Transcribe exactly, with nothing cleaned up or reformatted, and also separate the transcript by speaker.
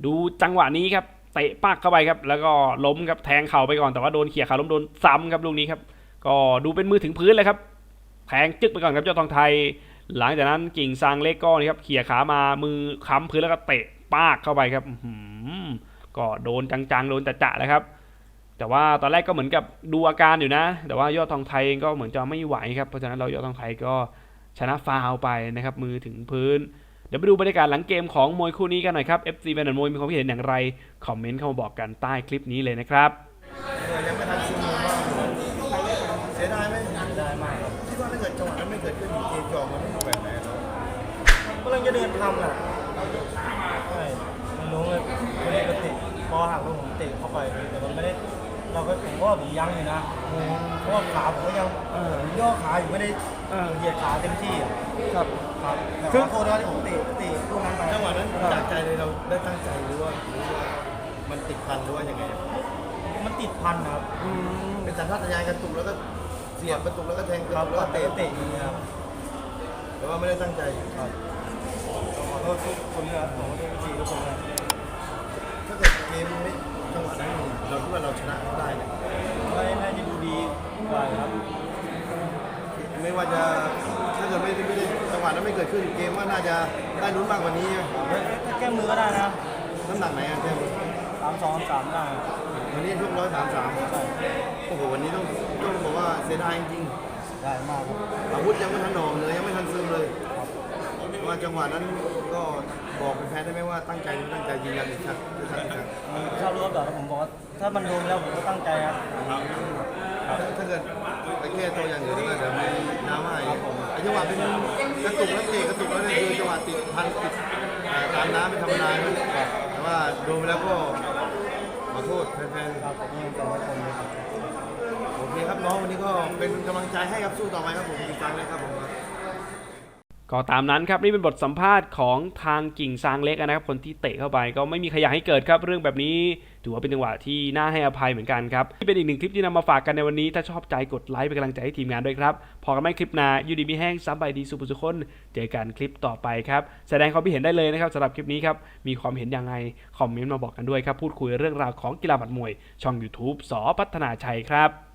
Speaker 1: ดูจังหวะนี้ครับเตะปักเข้าไปครับแล้วก็ล้มครับแทงเข่าไปก่อนแต่ว่าโดนเขี่ยขาล้มโดนซ้ำครับลูกนี้ครับก็ดูเป็นมือถึงพื้นเลยครับแทงจึ๊กไปก่อนครับยอดทองไทยหลังจากนั้นกิ่งซางเล็กก็นี่ครับเขี่ยขามามือค้ำพื้นแล้วก็เตะปากเข้าไปครับก็โดนจังๆโดนจะๆเลยครับแต่ว่าตอนแรกก็เหมือนกับดูอาการอยู่นะแต่ว่ายอดทองไทยก็เหมือนจะไม่ไหวครับเพราะฉะนั้นเรายอดทองไทยก็ชนะฟาวไปนะครับมือถึงพื้นเดี๋ยวไปดูบรรยากาศหลังเกมของมวยคู่นี้กันหน่อยครับ เอฟ ซี แฟนมวยมีความคิดเห็นอย่างไรคอมเมนต์เข้ามาบอกกันใต้คลิปนี้เลยนะครับ
Speaker 2: ยังไม่ทันซึมลงว่าเสียดายไหมเสียดายมากครับคิดว่าถ้าเกิดจังหวะนั้นไม่เกิดขึ้นเกมจอมันไม่แบบไหนเรากำลังจะเดินทำอ่ะใช่มันรู้เลยวันนี้ก็ติดพอหักลงผมติดเข้าไปแต่มันไม่ได้เราก็ผมว่าผมยังอยู่นะเพราะว่าขาผมก็ยังย่อขาอยู่ไม่ได้เหยียดขาเต็มที่ครับครับแต่ขอโทษนะที่ผมติดติดลูกนั้นไปจังหวะนั้นจากใจเลยเราได้ตั้งใจหรือว่ามันติดพันหรือว่ายังไงมันติดพันครับเป็นสัญชาตญาณกระตุกแล้วก็เสียบกระตุกแล้วก็แทงกระตุกแล้วก็เตะเตะอย่างนี้ครับแต่ว่าไม่ได้ตั้งใจครับขอโทษทุกคนนะครับขอโทษทุกทีทุกคนนะถ้าเกิดเกมไม่จังหวะนั้นเราคิดว่าเราชนะได้เนี่ยไม่น่าจะดูดีกว่าครับไม่ว่าจะถ้าเกิดไม่ไม่ได้จังหวะนั้นไม่เกิดขึ้นเกมว่าน่าจะได้ลุ้นมากกว่านี้ถ้าแก้มือก็ได้นะน้ำหนักไหนอะแก้มือสามสองสามได้วันนี้ทุกร้อยสามสามโอ้โหวันนี้ต้องต้องบอกว่าเสียดายจริงๆได้มากอาวุธยังไม่ทันหน่อเลยยังไม่ทันซึมเลยว่าจังหวะนั้นก็บอกเป็นแพ้ได้ไหมว่าตั้งใจหรือตั้งใจยืนยันอีกครั้งอีกครั้งครับชอบรู้แบบผมบอกว่าถ้ามันโดนแล้วผมก็ตั้งใจครับถ้าเกิดไปแก้ตัวอย่างอื่นก็เดี๋ยวมีน้ำให้ไอ้จังหวะเป็นกระตุกแล้วเตะกระตุกแล้วนี่คือจังหวะติดพันติดตามน้ำไม่ธรรมดาแต่ว่าโดนไปแล้วก็ขอโทษแฟนๆครับผมยังจำไม่คงเลยครับโอเคครับน้องวันนี้ก็เป็นกำลังใจให้ครับสู้ต่อไปครับผมติดตามเลยครับผม
Speaker 1: ก็ตามนั้นครับนี่เป็นบทสัมภาษณ์ของทางกิ่งซางเล็กนะครับคนที่เตะเข้าไปก็ไม่มีใครอยากให้เกิดครับเรื่องแบบนี้ถือว่าเป็นจังหวะที่น่าให้อภัยเหมือนกันครับที่เป็นอีกหนึ่งคลิปที่นำมาฝากกันในวันนี้ถ้าชอบใจกดไลค์เป็นกำลังใจให้ทีมงานด้วยครับพอกันไม่คลิปหน้ายูดีมีแห้งซับใบดีสุภุสุคนเจอกันคลิปต่อไปครับแสดงความคิดเห็นได้เลยนะครับสำหรับคลิปนี้ครับมีความเห็นยังไงคอมเมนต์มาบอกกันด้วยครับพูดคุยเรื่องราวของกีฬาหมัดมวยช่อง ยูทูบ ส.พัฒนาชัยครับ